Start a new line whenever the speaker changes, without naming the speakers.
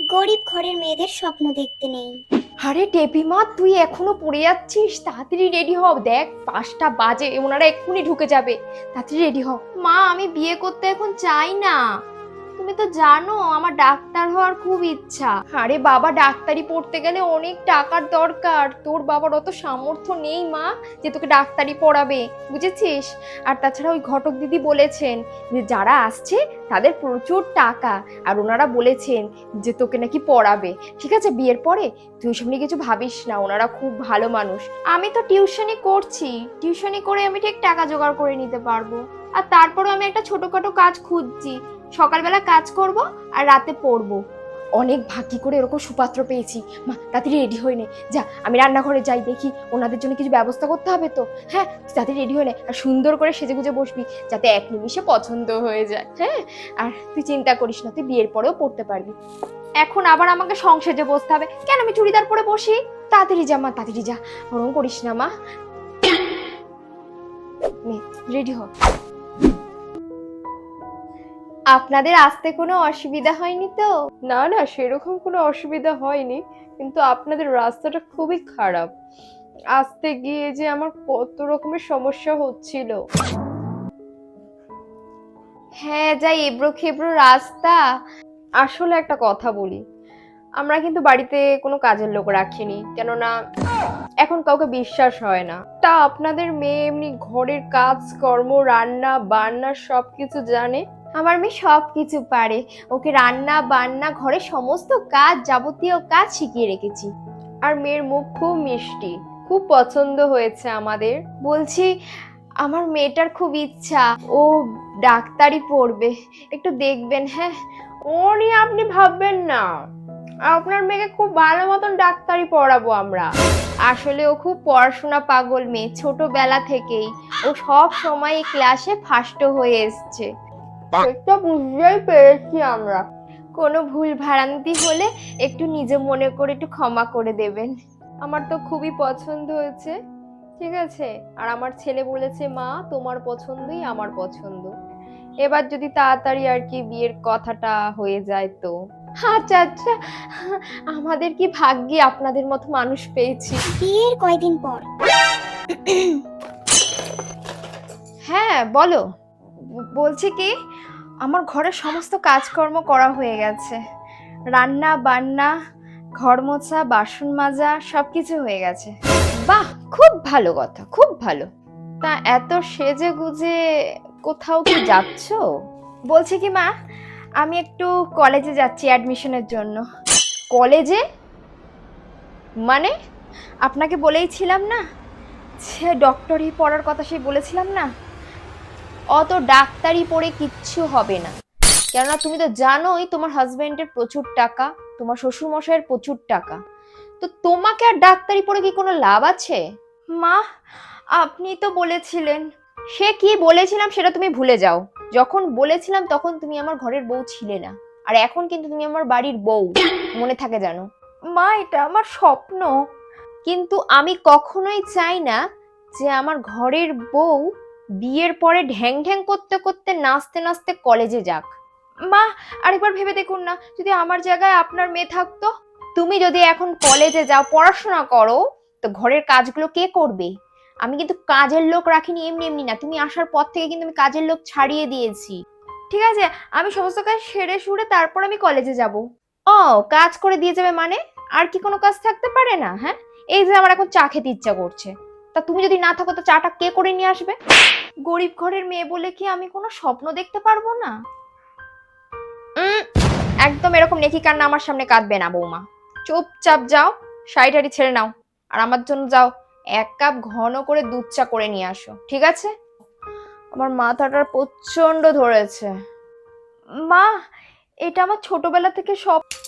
গরিব ঘরের মেয়েদের স্বপ্ন দেখতে নেই।
আরে টেপিমা, তুই এখনো পড়ে যাচ্ছিস? তাড়াতাড়ি রেডি হ, দেখ 5টা বাজে, ওনারা এক্ষুনি ঢুকে যাবে। তাড়াতাড়ি রেডি হ। মা, আমি বিয়ে করতে এখন চাই না। তুমি তো জানো আমার ডাক্তার হওয়ার খুব ইচ্ছা। আরে বাবা, ডাক্তারি পড়তে গেলে অনেক টাকার দরকার। তোর বাবার অত সামর্থ্য নেই মা যে তোকে ডাক্তারি পড়াবে, বুঝেছিস? আর তাছাড়া ওই ঘটক দিদি বলেছেন যে যারা আসছে তাদের প্রচুর টাকা, আর ওনারা বলেছেন যে তোকে নাকি পড়াবে। ঠিক আছে, বিয়ের পরে তুই ওইসব নিয়ে কিছু ভাবিস না, ওনারা খুব ভালো মানুষ। আমি তো টিউশনি করছি, টিউশনি করে আমি ঠিক টাকা জোগাড় করে নিতে পারবো। আর তারপরে আমি একটা ছোটখাটো কাজ খুঁজছি, সকালবেলা কাজ করব আর রাতে পড়বো। অনেক ভাগ্যি করে এরকম সুপাত্র পেয়েছি। মা, তাড়াতাড়ি রেডি হয়ে নে, যা আমি রান্নাঘরে যাই, দেখি ওনাদের জন্য কিছু ব্যবস্থা করতে হবে তো। হ্যাঁ, তাড়াতাড়ি রেডি হয়ে নে, আর সুন্দর করে সেজেগুজে বসবি যাতে এক নিমিষে পছন্দ হয়ে যায়। হ্যাঁ, আর তুই চিন্তা করিস না, তুই বিয়ের পরেও পড়তে পারবি। এখন আবার আমাকে সংসেজে বসতে হবে কেন? আমি চুড়িদার পরে বসি। তাড়াতাড়ি যা মা, তাড়াতাড়ি যা, ওরকম করিস না মা। রেডি হ। আপনাদের আসতে কোনো অসুবিধা হয়নি তো?
না না, সেরকম কোনো অসুবিধা হয়নি, কিন্তু আপনাদের রাস্তাটা খুবই খারাপ। আসতে গিয়ে যে আমার কত রকমের সমস্যা হচ্ছিল।
হ্যাঁ, যাই এবড়ো খেবড়ো রাস্তা।
আসলে একটা কথা বলি, আমরা কিন্তু বাড়িতে কোনো কাজের লোক রাখিনি, কেননা এখন কাউকে বিশ্বাস হয় না। তা আপনাদের মেয়ে এমনি ঘরের কাজ কর্ম, রান্না বান্না সবকিছু জানে।
আমার মেয়ে সব কিছু পারে, ওকে রান্না বান্না ঘরে সমস্ত কাজ, যাবতীয় কাজ শিখিয়ে রেখেছি।
আর মেয়ের মুখ খুব মিষ্টি, খুব পছন্দ হয়েছে আমাদের।
বলছি, আমার মেয়েটার খুব ইচ্ছা ও ডাক্তারি পড়বে, একটু দেখবেন। হ্যাঁ,
ও নিয়ে আপনি ভাববেন না, আপনার মেয়েকে খুব ভালো মতন ডাক্তারি পড়াবো আমরা।
আসলে ও খুব পড়াশোনা পাগল মেয়ে, ছোটবেলা থেকেই ও সব সময় ক্লাসে ফার্স্ট হয়ে এসছে।
সেটা বুঝতেই পেরেছি আমরা।
কোনো ভুল ভ্রান্তি হলে একটু নিজে মনে করে একটু ক্ষমা করে দেবেন।
আমার তো খুবই পছন্দ হয়েছে, ঠিক আছে। আর আমার ছেলে বলেছে মা তোমার পছন্দই আমার পছন্দ। এবার যদি তাড়াতাড়ি আর কি বিয়ের কথাটা হয়ে যায় তো।
আচ্ছা আচ্ছা, আমাদের কি ভাগ্যি আপনাদের মতো মানুষ পেয়েছি।
বিয়ের কয়দিন পর
হ্যাঁ বলো। বলছি কি, আমার ঘরের সমস্ত কাজকর্ম করা হয়ে গেছে, রান্না বান্না, ঘর মোছা, বাসন মাজা সবকিছু হয়ে গেছে। বাহ, খুব ভালো কথা, খুব ভালো। তা এত সেজে গুজে কোথাও কি যাচ্ছ? বলছি কি মা, আমি একটু কলেজে যাচ্ছি অ্যাডমিশনের জন্য। কলেজে? মানে আপনাকে বলেইছিলাম না সে ডক্টরি পড়ার কথা, সেই বলেছিলাম না? অত ডাক্তারি পড়ে কিচ্ছু হবে না, কেননা তুমি তো জানোই তোমার হাজবেন্ডের প্রচুর টাকা, তোমার শ্বশুর মশাইয়ের প্রচুর টাকা, তো তোমাকে আর ডাক্তারি পড়ে কি কোনো লাভ আছে? মা, আপনি তো বলেছিলেন। সে কি বলেছিলাম সেটা তুমি ভুলে যাও। যখন বলেছিলাম তখন তুমি আমার ঘরের বউ ছিলে না, আর এখন কিন্তু তুমি আমার বাড়ির বউ, মনে থাকে জানো। মা, এটা আমার স্বপ্ন, কিন্তু আমি কখনোই চাই না যে আমার ঘরের বউ বিয়ের পরে ঢ্যাং ঢ্যাং করতে করতে নাচতে নাচতে কলেজে যাক। মা, আরেকবার ভেবে দেখুন না, যদি আমার জায়গায় আপনার মেয়ে থাকতো। তুমি যদি এখন কলেজে যাও, পড়াশোনা করো, তো ঘরের কাজগুলো কে করবে? আমি কিন্তু কাজের লোক রাখিনি এমনি এমনি না, তুমি আসার পর থেকে কিন্তু আমি কাজের লোক ছাড়িয়ে দিয়েছি। ঠিক আছে, আমি সমস্ত কাজ সেরে সুরে তারপর আমি কলেজে যাব। ও, কাজ করে দিয়ে যাবে মানে? আর কি কোনো কাজ থাকতে পারে না? হ্যাঁ, এই যে আমার এখন চা খেতে ইচ্ছা করছে, তা তুমি যদি না থাকো তো চাটা কে করে নিয়ে আসবে? গরিব ঘরের মেয়ে বলে কি আমি কোনো স্বপ্ন দেখতে পারবো না? একদম এরকম নেকি কান্না আমার সামনে কাঁদবে না বৌমা। চুপচাপ যাও, শাড়ি টাড়ি ছেড়ে নাও, আর আমার জন্য যাও 1 কাপ ঘন করে দুধ চা করে নিয়ে আসো, ঠিক আছে? আমার মাথাটা প্রচন্ড ধরেছে। মা, এটা আমার ছোটবেলা থেকে সব